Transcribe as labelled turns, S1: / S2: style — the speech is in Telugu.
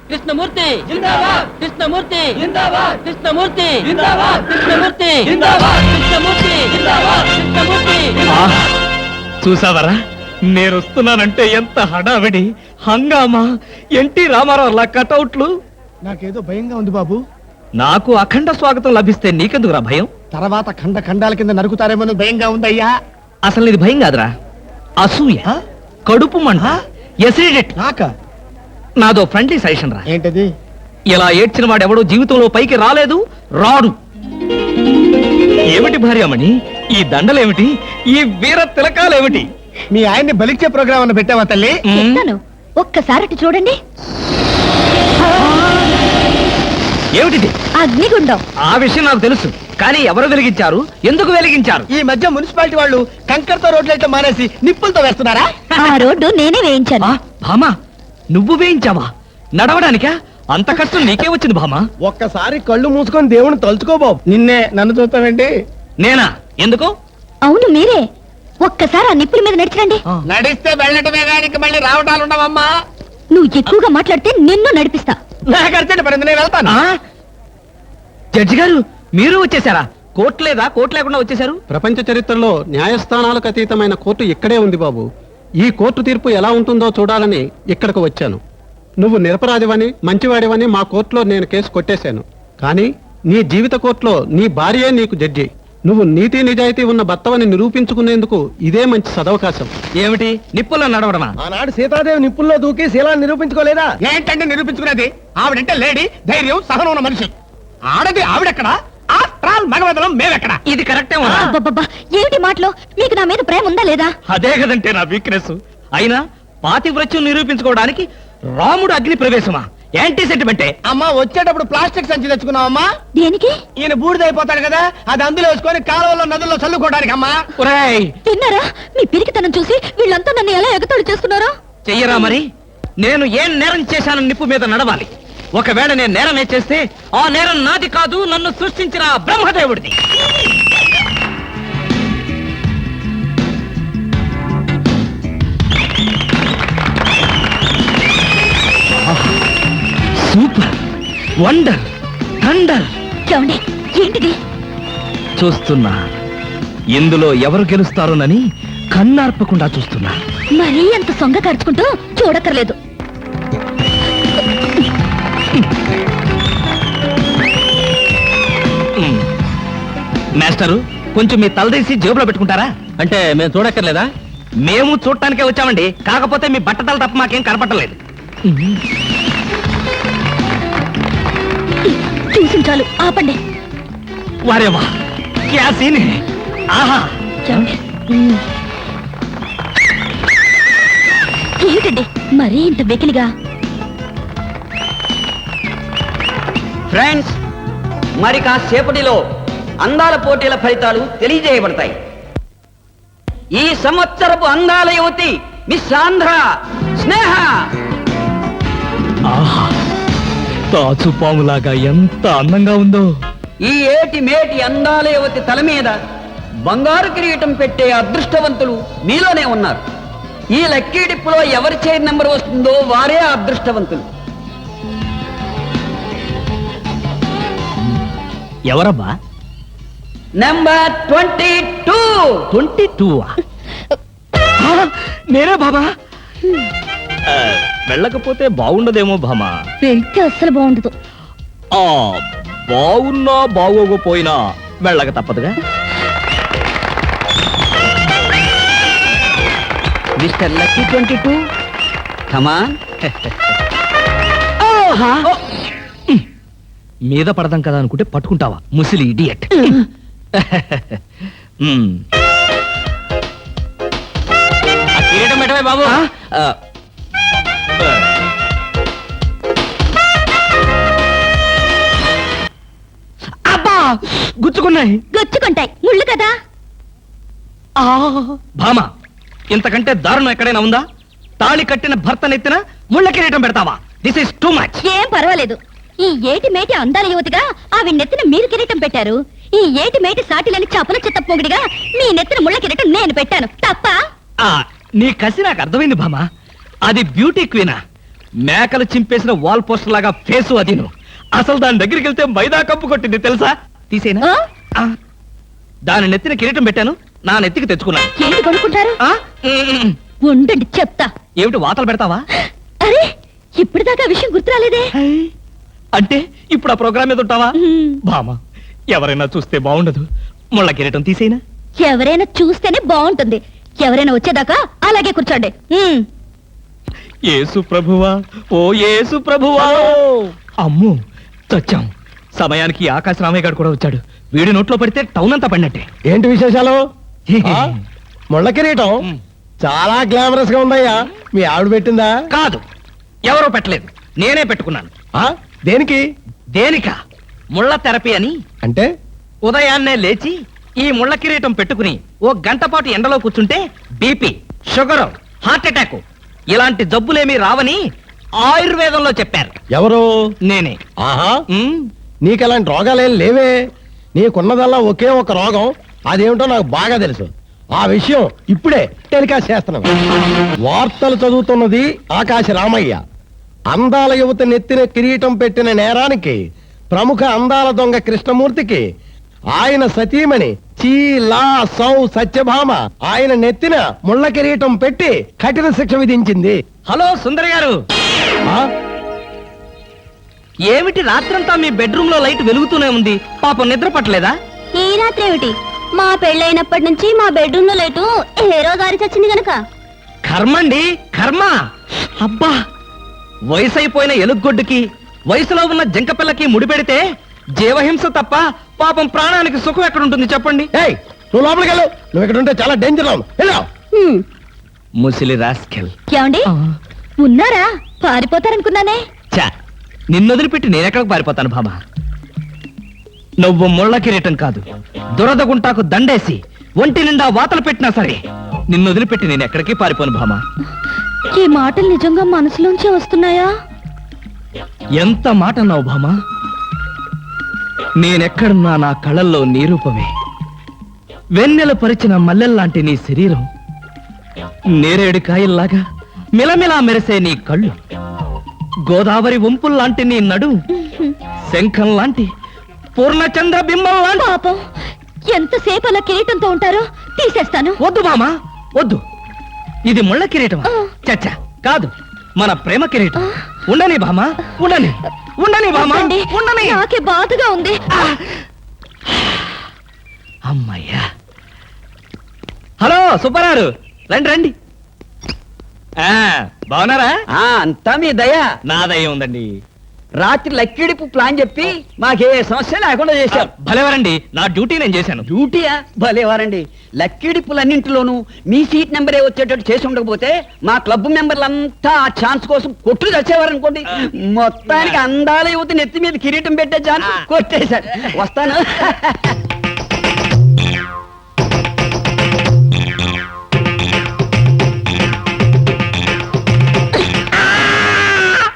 S1: కృష్ణమూర్తి జిందాబాద్, కృష్ణమూర్తి జిందాబాద్, కృష్ణమూర్తి జిందాబాద్, కృష్ణమూర్తి జిందాబాద్, కృష్ణమూర్తి జిందాబాద్, కృష్ణమూర్తి.
S2: చూసావరా, నేను వస్తున్నానంటే ఎంత హడావిడి హంగామా. ఎన్టీ రామారావు కటౌట్లు.
S3: నాకేదో భయంగా ఉంది బాబు.
S2: నాకు అఖండ స్వాగతం లభిస్తే నీకెందుకురా భయం?
S3: తర్వాత ఖండ ఖండాల కింద నరుకుతారేమో భయంగా ఉందయ్యా.
S2: అసలు ఇది భయం కాదురా, అసూయ, కడుపు మంట, ఎసిడిటీ. నాదో ఫ్రెండ్లీ సజెషన్ రా.
S3: ఏంటది?
S2: ఇలా ఏడ్చిన వాడెవడో జీవితంలో పైకి రాలేదు, రాడు. ఏమిటి భార్యామణి ఈ దండలేమిటి, ఈ వీర తిలకాలేమిటి?
S3: మీ ఆయన్ని బలిచ్చే ప్రోగ్రామ్ అన్న పెట్టావా తల్లి?
S4: ఒక్కసారి చూడండి.
S2: ఏమిటిది?
S4: అగ్నిగుండం.
S2: ఆ విషయం నాకు తెలుసు, కానీ ఎవరు వెలిగించారు, ఎందుకు వెలిగించారు?
S3: ఈ మధ్య మున్సిపాలిటీ వాళ్ళు కంకరతో రోడ్లైతే మానేసి నిప్పులతో వేస్తున్నారా?
S4: ఆ రోడ్డు నేనే వేయించాను.
S2: భామా, నువ్వు వేయించావా? నడవడానికా? అంత కష్టం నీకే వచ్చింది భామా?
S3: ఒక్కసారి కళ్ళు మూసుకొని దేవుని తలుచుకో బాబు. నిన్నే నన్ను చూస్తావేంటి?
S2: నేనా? ఎందుకు?
S4: అవును మీరే. ఒక్కసారి ఆ నిప్పుల మీద నడిచండి.
S3: నడిస్తే వెళ్ళటమే గానికి మళ్ళీ రావటాలు ఉండవమ్మా.
S4: నువ్వు ఎక్కువగా మాట్లాడితే నిన్ను నడిపిస్తా.
S3: నాకు అర్జెంట్ పడింది, నేను వెళ్తాను.
S2: జడ్జి గారు, మీరు వచ్చేసారా? కోర్టు లేదా? కోర్టు లేకుండా వచ్చేసారు?
S5: ప్రపంచ చరిత్రలో న్యాయస్థానాలకు అతీతమైన కోర్టు ఇక్కడే ఉంది బాబు. ఈ కోర్టు తీర్పు ఎలా ఉంటుందో చూడాలని ఇక్కడికి వచ్చాను. నువ్వు నిరపరాధివని, మంచివాడివని మా కోర్టులో నేను కేసు కొట్టేశాను. కానీ నీ జీవిత కోర్టులో నీ భార్యే నీకు జడ్జి. నువ్వు నీతి నిజాయితీ ఉన్న భర్తవని నిరూపించుకునేందుకు ఇదే మంచి సదవకాశం.
S2: ఏమిటి, నిప్పుల్లో నడవడమా?
S3: ఆనాడు సీతాదేవి నిప్పుల్లో దూకి శీలాన్ని నిరూపించుకోలేదా? ఏంటంటే నిరూపించుకునేది? ఆవిడంటే లేడీ, ధైర్యం, సహనం ఉన్న మనిషి. ఆడది ఆవిడెక్కడ? After all మగవదలం మేమెక్కడ?
S2: ఇది కరెక్టే.
S4: అబ్బబ్బబ్బా, ఏమిటి మాటలో? మీకు నా మీద ప్రేమ ఉందా లేదా?
S2: అదే కదంటే నా వీక్నెస్. అయినా పాతివ్రత్యం నిరూపించుకోవడానికి రాముడు అగ్ని ప్రవేశమా? యాంటీ సెంటిమెంటే.
S3: అమ్మా, వచ్చేటప్పుడు ప్లాస్టిక్ సంచి తెచ్చుకున్నావమ్మా.
S4: దేనికి?
S3: ఈయన బూడిదైపోతాడు కదా, అది అందులో వేసుకొని కాలువలో నదుల్లో చల్లుకోవడానికి అమ్మా.
S4: తిన్నారా? మీ పిరికితనం చూసి వీళ్ళంతా నన్ను ఎలా ఎగతాళి చేస్తున్నారో.
S2: చెయ్యరా మరి? నేను ఏం నేరం చేశానని నిప్పు మీద నడవాలి. ఒకవేళ నేను నేరం చేస్తే ఆ నేరం నాది కాదు, నన్ను సృష్టించిన బ్రహ్మదేవుడిది. Super, wonder, thunder.
S4: ఏంటిది?
S2: చూస్తున్నా, ఇందులో ఎవరు గెలుస్తారోనని కన్నార్పకుండా చూస్తున్నా.
S4: మరీ అంత సొంగ ఖర్చుకుంటూ చూడక్కర్లేదు.
S2: మాస్టరు, కొంచెం మీ తలదీసి జేబులో పెట్టుకుంటారా? అంటే మేము చూడక్కర్లేదా? మేము చూడటానికే వచ్చామండి, కాకపోతే మీ బట్టతలు తప్ప మాకేం కనపట్టలేదు.
S4: చూసి చాలు, ఆపండి.
S2: వారేవా, క్యా సీన్ హై. ఆహా,
S4: ఏమిటండి మరీ ఇంత వెకిలిగా?
S1: ఫ్రెండ్స్, మరి కాసేపటిలో అందాల పోటీల ఫలితాలు తెలియజేయబడతాయి. ఈ సంవత్సరపు అందాల యువతి మిస్ ఆంధ్ర స్నేహ.
S2: ఆహా, తాచుపాములాగా ఎంత అందంగా ఉందో.
S1: ఈ ఏటి మేటి అందాల యువతి తల మీద బంగారు కిరీటం పెట్టే అదృష్టవంతులు మీలోనే ఉన్నారు. ఈ లక్కీ డిప్పులో ఎవరి చైర్ నెంబర్ వస్తుందో వారే అదృష్టవంతులు.
S2: ఎవరబ్బా?
S1: నెంబర్ 22.
S2: 22. నేనే బాబా. వెళ్ళకపోతే బాగుండదేమో భామా.
S4: వెళ్తే అస్సలు బాగుండదు.
S2: బాగున్నా బాగోకపోయినా వెళ్ళక తప్పదుగా.
S1: Mister lucky 22, come on.
S2: మీద పడదాం కదా అనుకుంటే పట్టుకుంటావా, ముసిలి ఇడియట్. కిరీటం పెట్టవే బాబు. అబ్బా, గుచ్చుకున్నాయి.
S4: గుచ్చుకుంటాయి, ముళ్ళు కదా.
S2: భామ, ఇంతకంటే దారుణం ఎక్కడైనా ఉందా? తాళి కట్టిన భర్త నెత్తిన ముళ్ళ కిరీటం పెడతావా? This is too much.
S4: ఏం పర్వాలేదు. ఈ ఏటి మేటి అందాల యువతిగా ఆవి నెత్తిన మీరు కిరీటం పెట్టారు. ఈ ఏటి మేటి సాటిలని చపల చిత్త పొగిడిగా మీ నెత్తిన ముళ్ళ కిరీటం నేను పెట్టాను. తప్ప?
S2: నీ కసి నాకు అర్థమైంది భామ. అది బ్యూటీ క్వీనా? మేకలు చింపేసిన వాల్ పోస్టర్ లాగా ఫేసు అది నువ్వు. అసలు దాని దగ్గరికి వెళ్తే మైదా కప్పు కొట్టింది తెలుసా? తీసేనా?
S4: ఆ?
S2: ఆ. దాని నెత్తిన కిరీటం పెట్టాను, నా నెత్తికి తెచ్చుకున్నాను.
S4: ఏంటి కొనుక్కుంటారు?
S2: ఆ? ఉమ్.
S4: ఉండండి చెప్తా.
S2: ఏమిటి వాతలు పెడతావా?
S4: అరే ఇప్పటిదాకా ఆ విషయం గుర్తురాలేదే.
S2: అంటే ఇప్పుడు ఆ ప్రోగ్రామ్ మీద ఉంటావా?
S4: ఉమ్.
S2: బామా, ఎవరైనా చూస్తే బాగుండదు. ముళ్ళ కిరీటం తీసేనా?
S4: ఎవరైనా చూస్తేనే బాగుంటుంది. ఎవరైనా వచ్చేదాకా అలాగే కూర్చోండి.
S2: యేసు ప్రభువా, ఓ యేసు ప్రభువా. అమ్ము, చచ్చాం. సమయానికి ఆకాశ రామయ్య గారు కూడా వచ్చాడు. వీడి నోట్లో పడితే టౌన్ అంతా పడినట్టే.
S3: ఏంటి విశేషాలు? ఆ? ముళ్ళ కిరీటం చాలా గ్లామరస్ గా ఉందయ్యా. మీ ఆవిడ పెట్టిందా?
S2: కాదు, ఎవరో పెట్టలేదు, నేనే పెట్టుకున్నాను.
S3: ఆ? దేనికి?
S2: దేనికా? ముళ్ళ థెరపీ అని.
S3: అంటే
S2: ఉదయాన్నే లేచి ఈ ముళ్ళ కిరీటం పెట్టుకుని ఓ గంట పాటు ఎండలో కూర్చుంటే బీపీ, షుగర్, హార్ట్ అటాక్ ఇలాంటి జబ్బులేమీ రావని ఆయుర్వేదంలో చెప్పారు.
S3: ఎవరు?
S2: నేనే.
S3: ఆహా,
S2: ఉమ్,
S3: నీకు అలాంటి రోగాలేం లేవే. నీకున్నదల్లా ఒకే ఒక రోగం, అదేమిటో నాకు బాగా తెలుసు. ఆ విషయం ఇప్పుడే టెలికాస్ట్ చేస్తున్నాం. వార్తలు చదువుతున్నది ఆకాశ రామయ్య. అందాల యువత నెత్తిన కిరీటం పెట్టిన నేరానికి ప్రముఖ అందాల దొంగ కృష్ణమూర్తికి ఆయన సతీమణి చీలా సౌ సత్యభామ ఆయన నెత్తిన ముళ్ళ కిరీటం పెట్టి కఠిన శిక్ష విధించింది.
S2: హలో సుందరి గారు,
S3: ఆ?
S2: ఏమిటి రాత్రంతా మీ బెడ్రూమ్ లో లైట్ వెలుగుతూనే ఉంది? పాపం నిద్ర పట్టలేదా?
S4: ఈ రాత్రి ఏమిటి? మా పెళ్ళైనప్పటి నుంచి మా బెడ్రూమ్ లో లైటు ఏ రోజు ఆరి చచ్చింది గనక.
S2: కర్మండి, కర్మ. అబ్బా, వయసైపోయిన ఎలుగొడ్డుకి వయసులో ఉన్న జంక పిల్లకి ముడిపెడితే జీవహింస తప్ప పాపం ప్రాణానికి సుఖం ఎక్కడుంటుంది చెప్పండి?
S3: ఏయ్, నువ్వు లోపలికి వెళ్ళు. నువ్వు ఇక్కడ ఉంటే చాలా డేంజర్. వెళ్ళు.
S2: ముసిలి రాస్కెల్.
S4: ఏమండి ఉన్నారా? పారిపోతారనుకున్నానే.
S2: చా, నిన్నొదిలిపెట్టి నేనెక్కడికి పారిపోతాను బామా? నువ్వు ముళ్ళ కిరీటం కాదు, దురద గుంటాకు దండేసి ఒంటి నిండా వాతలు పెట్టినా సరే నిన్నొదిలిపెట్టి నేను ఎక్కడికి పారిపోను భామా.
S4: ఈ మాటలు నిజంగా మనసులోంచి వస్తున్నాయా?
S2: ఎంత మాట అన్నావు భామా. నేనెక్కడున్నా నా కళ్ళల్లో నీ రూపమే. వెన్నెల పరిచిన మల్లెల్లాంటి నీ శరీరం, నేరేడు కాయల్లాగా మిలమిలా మెరిసే నీ కళ్ళు, గోదావరి వంపుల్లాంటి నీ నడు, శంఖం లాంటి పూర్ణచంద్ర బింబం లాంటి.
S4: పాపం ఎంతసేపు అలా కిరీటంతో ఉంటారో తీసేస్తాను.
S2: వద్దు మామా, వద్దు. ఇది ముళ్ళ కిరీటం చచ్చా కాదు, మన ప్రేమ కిరీటం. ఉండని భామా, ఉండని, ఉండని భామా,
S4: వద్దండి,
S2: ఉండని.
S4: నాకే బాధగా ఉంది.
S2: అమ్మయ్యా. హలో సుబ్బారావు, రండి రండి. బాగున్నారా?
S1: అంతా మీ దయ.
S2: నా దయ ఉందండి.
S1: రాత్రి లక్కిడిపు ప్లాన్ చెప్పి మాకే సమస్య లేకుండా చేశారు.
S2: భలేవారండి, నా డ్యూటీ నేను చేశాను.
S1: డ్యూటీయా? భలేవారండి. లక్కిడిపులన్నింటిలోనూ మీ సీట్ నెంబరే వచ్చేటట్టు చేసి ఉండకపోతే మా క్లబ్ మెంబర్లంతా ఆ ఛాన్స్ కోసం కొట్లు చచ్చేవారనుకోండి. మొత్తానికి అందాల యువతి నెత్తి మీద కిరీటం పెట్టే ఛాన్స్ కొట్టేశారు. వస్తాను.